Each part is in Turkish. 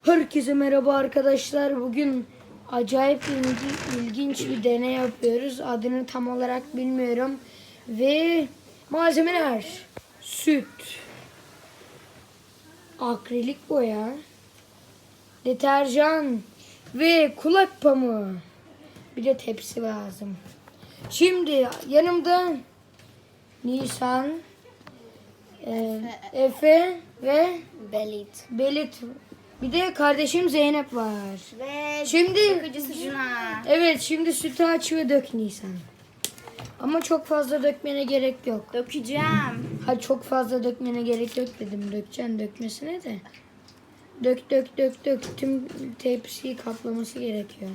Herkese merhaba arkadaşlar. Bugün acayip ilginç bir deney yapıyoruz. Adını tam olarak bilmiyorum. Ve malzemeler: süt, akrilik boya, deterjan ve kulak pamuğu. Bir de tepsi lazım. Şimdi yanımda Nisan, Efe ve Belit. Bir de kardeşim Zeynep var. Ve Şimdi Cuna. evet, şimdi sütü aç ve dök Nisan. Ama çok fazla dökmene gerek yok. Dökeceğim. Ha, çok fazla dökmene gerek yok dedim. Dökeceksin dökmesine de. Dök. Tüm tepsiyi kaplaması gerekiyor.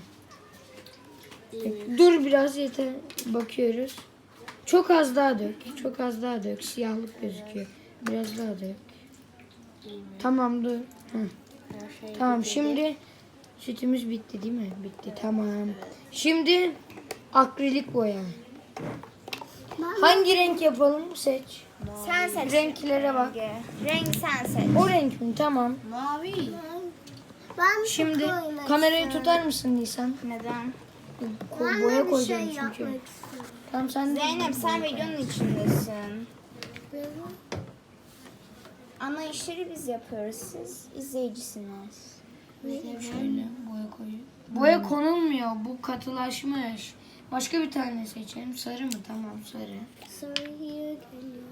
Dur, biraz yeter. Bakıyoruz. Çok az daha dök. Çok az daha dök. Siyahlık gözüküyor. Biraz daha dök. Tamam, dur. Hı. Tamam, şimdi sütümüz bitti değil mi? Bitti, tamam. Şimdi akrilik boya. Hangi renk yapalım? Seç. Sen seç. Renklere bak. Renk sen seç. O renk mi? Tamam. Mavi. Şimdi kamerayı tutar mısın Nisan? Neden? Boya koyacağım çünkü. Tamam, sen de. Zeynep sen videonun içindesin. Ana işleri biz yapıyoruz. Siz izleyicisiniz. Şöyle boya koyuyor. Boya konulmuyor. Bu katılaşmış. Başka bir tane seçelim. Sarı mı? Tamam, sarı. Sarıya geliyor.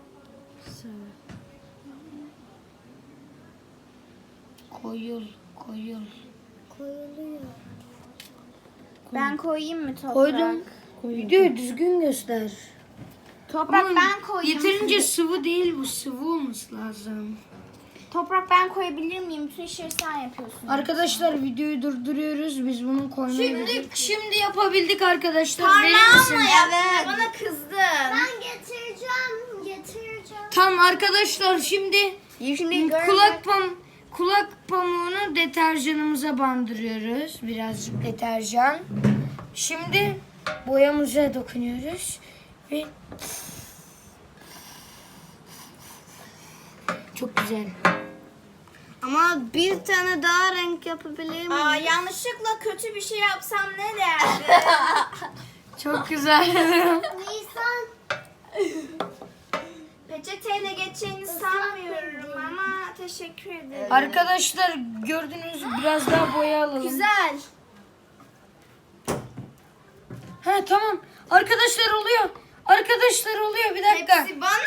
Koyul. Koyuluyor. Ben koyayım mı toprak? Koydum. Videoyu düzgün göster. Toprak Ama ben koyayım. yeterince sıvı değil, bu sıvı olması lazım. Toprak ben koyabilir miyim? Bütün işleri sen yapıyorsun. Arkadaşlar videoyu durduruyoruz. Biz bunu koymayı Şimdi yapabildik arkadaşlar. Verir Parmağımla misin? yaptın. Bana kızdın. Ben getireceğim. Tamam arkadaşlar, şimdi Şimdi kulak pamuğunu deterjanımıza bandırıyoruz. Birazcık deterjan. Şimdi boyamıza dokunuyoruz ve çok güzel. Ama bir tane daha renk yapabilir miyim? yanlışlıkla kötü bir şey yapsam ne derdi? Çok güzel. Nisan. Peçeteyle geçeceğini sanmıyorum ama teşekkür ederim. Arkadaşlar gördünüz, biraz daha boya alalım. Güzel. Ha, tamam. Arkadaşlar oluyor. Bir dakika. Hepsi bana.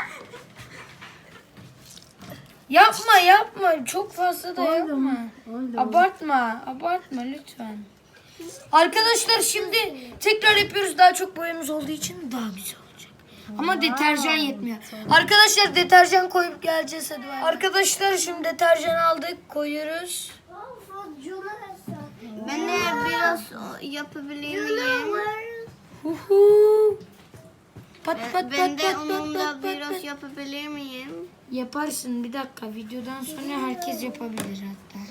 Yapma. Çok fazla da yapma. Abartma lütfen. Arkadaşlar şimdi tekrar yapıyoruz. Daha çok boyamız olduğu için daha güzel olacak. Ama deterjan yetmiyor. Arkadaşlar deterjan koyup geleceğiz, hadi. Arkadaşlar şimdi deterjan aldık, koyuyoruz. Ben de biraz yapabilir miyim? Huhu. Pat. Ben de onunla biraz yapabilir miyim? Yaparsın, bir dakika. Videodan sonra herkes yapabilir hatta.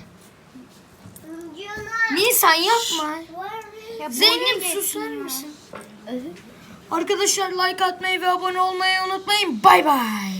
Nisan yapma. Zeynep susar mısın? Arkadaşlar like atmayı ve abone olmayı unutmayın. Bay bay.